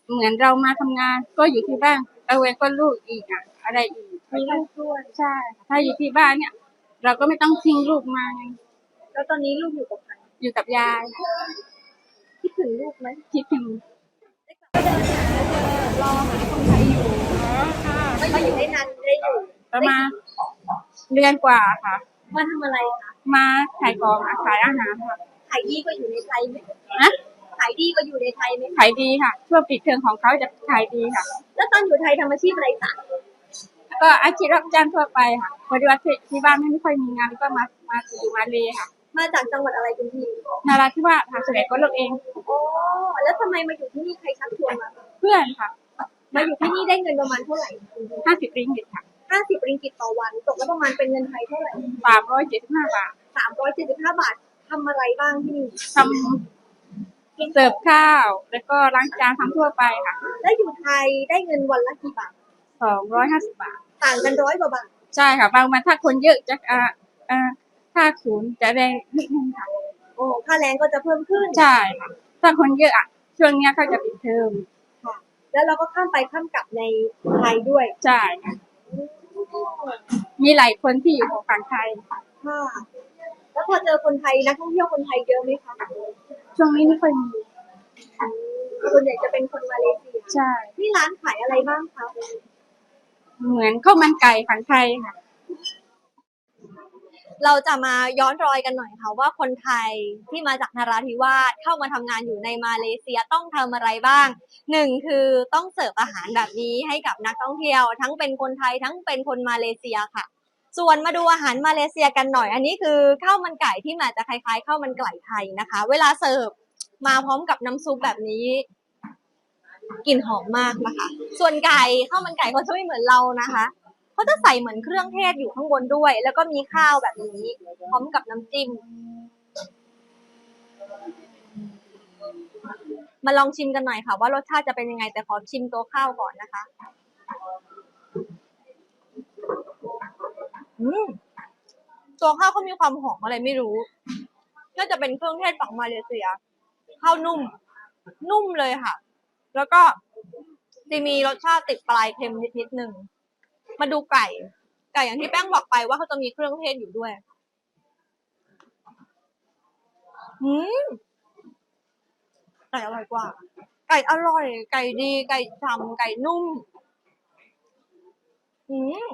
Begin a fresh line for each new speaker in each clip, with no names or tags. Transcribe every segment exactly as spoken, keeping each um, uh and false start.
เหมือนเรามาทำงานก็อยู่ที่บ้านเอาไว้ก็ลูกอีกอ่ะอะไรอีก
มีลูกด้วย
ใช่ถ้าอยู่ที่บ้านเนี่ยเราก็ไม่ต้องทิ้งลูกมาไง
แล้วตอนนี้ลูกอยู่กับใคร
อยู่กับยาย
คิดถึงลูกไหม
คิดถึง
รอหาคนใช้อยู่มาอยู่ได้นานได้อยู่
ประมาณเดือนกว่าค่ะ
มาทำอะไรคะ
มาขายของค่ะขายอาหารค่ะ
ขายดีกว่าอยู่ในไทยไหม
นะ
ขายดีกว่าอยู่ในไทยไหม
ขายดีค่ะช่วงปิดเทอมของเขาจะขายดีค่ะ
แล้วตอนอยู่ไทยทำอาชีพอะไรคะ
ก็อาชีพรับจ้างทั่วไปค่ะพอดีว่าที่บ้านไม่ค่อยมีงานก็มามาอยู่มาเลยค่ะ
มาจากจังหวัดอะไรคุณพี่
นาราธิวาสค่ะส่วนใหญ่ก็เลือกเอง
โอ้แล้วทำไมมาอยู่ที่นี่ใครชักชวนมา
เพื่อนค่ะ
มาอยู่ที่นี่ได้เงินประมาณเท่าไหร่
ห้าสิบริงกิตค่ะ
ห้าสิบริงกิตต่อวันตกแล้วประมาณเป็นเงินไทยเท่าไหร่
สามร้อยเจ็ดสิบห้าบาท
สามร้อยเจ็ดสิบห้าบาททำอะไรบ้างที่นี่
ทำเสิร์ฟข้าวแล้วก็ล้างจานทำทั่วไปค่ะ
แล้วอยู่ไทยได้เงินวันละกี่บาท
สองร้อยห้าสิบบาท
ต่างกันร้อยกว่าบาท
ใช่ค่ะบางวันถ้าคนเยอะจะอ่าอ่าค่าศูนย์จะแรงนิดนึงค่ะ
โอ้ค่าแรงก็จะเพิ่มขึ้น
ใช่ค่ะถ้าคนเยอะอ่ะช่วงนี้เขาจะปิดเทอม
ค่ะแล้วเราก็ข้ามไปข้ามกลับในไทยด้วย
ใช่ค่ะมีหลายคนที่อยู่ฝั่งไทย
ค่ะแล้วพอเจอคนไทยนักท่องเที่ยวคนไทยเยอะไหมคะ
ช่วงนี้ไม่ค่อยมี
ส่วนใหญ่จะเป็นคนมาเลเซีย
ใช่
นี่ร้านขายอะไรบ้างคะ
เหมือนข้าวมันไก่ฝั่งไทยค่ะ
เราจะมาย้อนรอยกันหน่อยค่ะว่าคนไทยที่มาจากนราธิวาสเข้ามาทำงานอยู่ในมาเลเซียต้องทำอะไรบ้างหนึ่งคือต้องเสิร์ฟอาหารแบบนี้ให้กับนักท่องเที่ยวทั้งเป็นคนไทยทั้งเป็นคนมาเลเซียค่ะส่วนมาดูอาหารมาเลเซียกันหน่อยอันนี้คือข้าวมันไก่ที่มาจะคล้ายๆข้าวมันไก่ไทยนะคะเวลาเสิร์ฟมาพร้อมกับน้ำซุปแบบนี้กลิ่นหอมมากนะคะส่วนไก่ข้าวมันไก่เขาจะไม่เหมือนเรานะคะเขาจะใส่เหมือนเครื่องเทศอยู่ข้างบนด้วยแล้วก็มีข้าวแบบนี้พร้อมกับน้ำจิ้มมาลองชิมกันหน่อยค่ะว่ารสชาติจะเป็นยังไงแต่ขอชิมตัวข้าวก่อนนะคะอืมตัวข้าวเขามีความหอมอะไรไม่รู้น่าจะเป็นเครื่องเทศฝั่งมาเลเซียข้าวนุ่มนุ่มเลยค่ะแล้วก็จะมีรสชาติติดปลายเค็มนิดนิดนึงมาดูไก่ไก่อย่างที่แป้งบอกไปว่าเขาจะมีเครื่องเทศอยู่ด้วยอืมไก่อร่อยกว่าไก่อร่อยไก่ดีไก่ฉ่ำไก่นุ่มอืม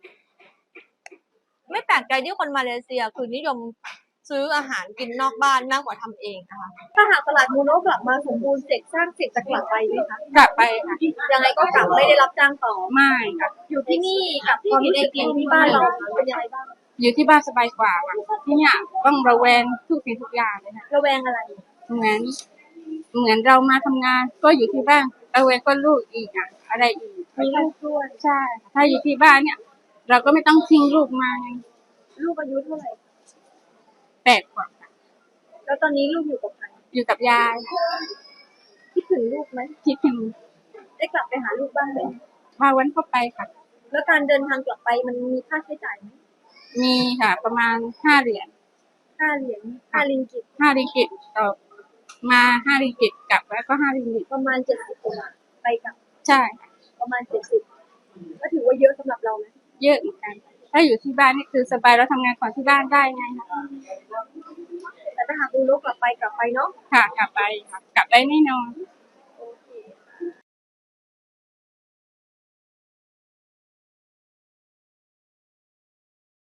ไม่แปลกใจที่คนมาเลเซียคือนิยมซื้ออาหารกินนอกบ้านมากกว่าทำเองนะคะถ้าหากตลาดมูโนะกลับมาสมบูรณ์เสร็จสร้างเสร็จจะกลับไปไหมคะ
กลับไปค่ะ
ยังไงก็กลับไม่ได้รับจ้างต่อ
ไม่ค่ะ
อยู่ที่นี่กับความรู้สึกของที่บ้านเราเป็นยังไงบ้าง
อยู่ที่บ้านสบายกว่าค่ะที่เนี่ยต้องระแวงทุกสิ่งทุกอย่างเลยค่ะ
ระแวงอะไร
เหมือนเหมือนเรามาทำงานก็อยู่ที่บ้านระแวงก็ลูกอีกอ่ะอะไรอีก
มีลูกด้วย
ใช่ถ้าอยู่ที่บ้านเนี่ยเราก็ไม่ต้องทิ้งลูกมาไง
ลูกอายุเท่าไหร่
แปดกว่า
แล้วตอนนี้ลูกอยู่กับใคร
อยู่กับยาย
คิดถึงลูกไหม
คิดถึง
ได้กลับไปหาลูกบ้างไหม
มาวันเข้าไปค่ะ
แล้วการเดินทางกลับไปมันมีค่าใช้จ่ายไหม
มีค่ะประมาณห้าเหรียญ
ห้าเหรียญห้าริงกิต
ห้าริงกิตต่อมาห้าริงกิตกลับแล้วก็ห้าริงกิต
ประมาณเจ็ดสิบคนไปกลับ
ใช่
ประมาณเจ็ดสิบก็ถือว่าเยอะสำหรับเราไหม
เยอะเหมือนกันถ้าอยู่ที่บ้านนี่คือสบายเราทำงานก่อนที่บ้านได้ไงคะ
แต่ถ้าหากดูลูกกลับไปกลับไปเนาะ
ค่ะกลับไปค่ะกลับได้แน่นอน